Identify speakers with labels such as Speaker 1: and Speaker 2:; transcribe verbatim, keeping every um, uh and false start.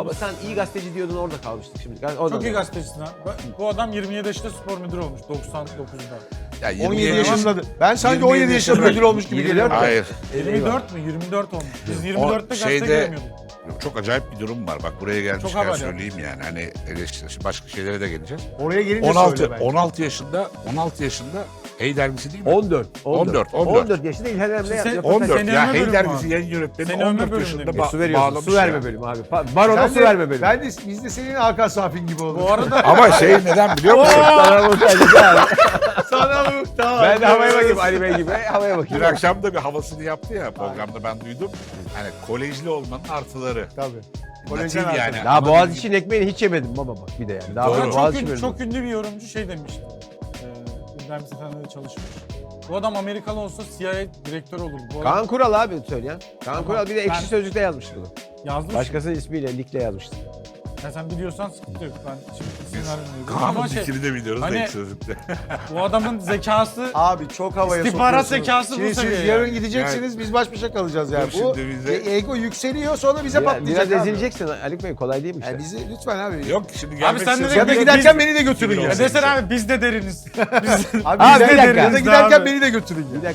Speaker 1: Baba sen iyi gazeteci diyordun, orada kalmıştık şimdi. O
Speaker 2: Çok
Speaker 1: da-
Speaker 2: iyi gazetecisin ha. Bu adam yirmi yedi yaşında spor müdürü olmuş doksan dokuzda.
Speaker 3: Ya yirmi
Speaker 4: on yedi
Speaker 3: yaş-
Speaker 4: yaşında. Ben sanki
Speaker 3: yirmi
Speaker 4: on yedi
Speaker 3: yedi
Speaker 4: yaşında
Speaker 3: yaşında-
Speaker 4: müdür olmuş gibi
Speaker 1: yirmi
Speaker 4: geliyor.
Speaker 1: dört
Speaker 3: Hayır.
Speaker 2: yirmi dört mü? yirmi dört olmuş. Biz yirmi dörtte gazete
Speaker 3: şeyde-
Speaker 2: göremiyorduk.
Speaker 3: Çok acayip bir durum var. Bak buraya
Speaker 2: Çok
Speaker 3: gelmişken
Speaker 2: haber
Speaker 3: söyleyeyim yani. Hani eleştiri, başka şeylere de geleceğiz.
Speaker 4: Oraya gelince
Speaker 3: on altı
Speaker 4: söyle bence.
Speaker 3: on altı yaşında on altı yaşında Hey dergisi değil mi?
Speaker 1: on dört.
Speaker 3: on dört, on dört.
Speaker 1: on dört yaşında İlhan Emre
Speaker 2: Sen-
Speaker 1: yapıyor.
Speaker 3: on dört
Speaker 2: Seni
Speaker 3: ya
Speaker 2: övme
Speaker 3: Hey
Speaker 2: bölümü
Speaker 3: dergisi
Speaker 2: abi.
Speaker 3: yayın yönetmeni
Speaker 2: Seni
Speaker 3: on
Speaker 2: övme
Speaker 3: dört
Speaker 2: bölümü
Speaker 3: yaşında
Speaker 2: demiş.
Speaker 3: ba-
Speaker 1: Su veriyorsun.
Speaker 3: bağlamış
Speaker 1: Su verme
Speaker 3: ya.
Speaker 1: bölümü abi. Pa- Baron'a
Speaker 4: Ben
Speaker 1: su
Speaker 4: de-
Speaker 1: verme bölümü.
Speaker 4: Ben de, biz de senin Hakan Safin gibi olduk.
Speaker 2: Bu arada
Speaker 3: Ama şey neden biliyor musun?
Speaker 1: Sana muhtaç abi.
Speaker 4: Sana muhtaç.
Speaker 1: Ben de havaya bakayım Ali Bey gibi. Havaya
Speaker 3: Dün
Speaker 1: bakayım.
Speaker 3: akşam da bir havasını yaptı ya programda, ben duydum. Hani kolejli olmanın artıları.
Speaker 4: Tabii.
Speaker 3: Natif
Speaker 4: Kolejden
Speaker 3: yani.
Speaker 4: artıları.
Speaker 1: Daha
Speaker 3: Ama
Speaker 1: Boğaziçi'nin ekmeğini hiç yemedim baba bak bir de yani. Daha
Speaker 3: Doğru.
Speaker 1: böyle
Speaker 2: çok,
Speaker 1: Boğaziçi
Speaker 2: ünlü,
Speaker 1: bölümü.
Speaker 2: çok ünlü bir yorumcu şey demişti. Ee, İbrahim Sefendi'de çalışmış. Bu adam Amerikalı olsa C I A direktörü olur. Bu adam
Speaker 1: Kaan Kural abi söyleyen. Kaan
Speaker 2: Tamam.
Speaker 1: Kural bir de Ekşi
Speaker 2: Ben-
Speaker 1: Sözlük'te yazmıştı bunu.
Speaker 2: yazmış.
Speaker 1: Başkasının ismiyle, Lik'le yazmıştı.
Speaker 2: Ya sen biliyorsan sıkıntı yok. Ben şimdi isim vermiyorum.
Speaker 3: Kaan'ın
Speaker 2: Ama şey,
Speaker 3: fikrini de biliyoruz
Speaker 2: hani-
Speaker 3: da ilk sözlükte.
Speaker 2: bu adamın zekası
Speaker 4: Abi çok havaya
Speaker 2: İstihbarat
Speaker 4: sokuyorsunuz.
Speaker 2: zekası bu
Speaker 4: Şimdi siz
Speaker 2: seviye
Speaker 4: yarın
Speaker 2: yani.
Speaker 4: gideceksiniz, biz baş başa kalacağız yani.
Speaker 3: Dur
Speaker 4: Bu
Speaker 3: şimdi bize-
Speaker 4: e- ego yükseliyor, sonra bize
Speaker 1: Biraz,
Speaker 4: patlayacak
Speaker 1: biraz
Speaker 4: abi.
Speaker 1: ezileceksin Ali Bey, kolay değil mi işte?
Speaker 4: Yani bizi lütfen abi.
Speaker 3: Yok şimdi gelmek
Speaker 2: sen de
Speaker 3: istiyorsan-
Speaker 4: Ya da
Speaker 2: Biz-
Speaker 4: giderken
Speaker 2: biz-
Speaker 4: beni de götürün ya.
Speaker 2: ya desene abi biz de deriniz. Biz,
Speaker 4: Abi
Speaker 1: Abi
Speaker 4: biz
Speaker 1: bir
Speaker 4: de
Speaker 1: dakika.
Speaker 4: ya da
Speaker 2: Biz de
Speaker 4: giderken
Speaker 2: abi.
Speaker 4: beni de götürün ya.
Speaker 1: Bir dakika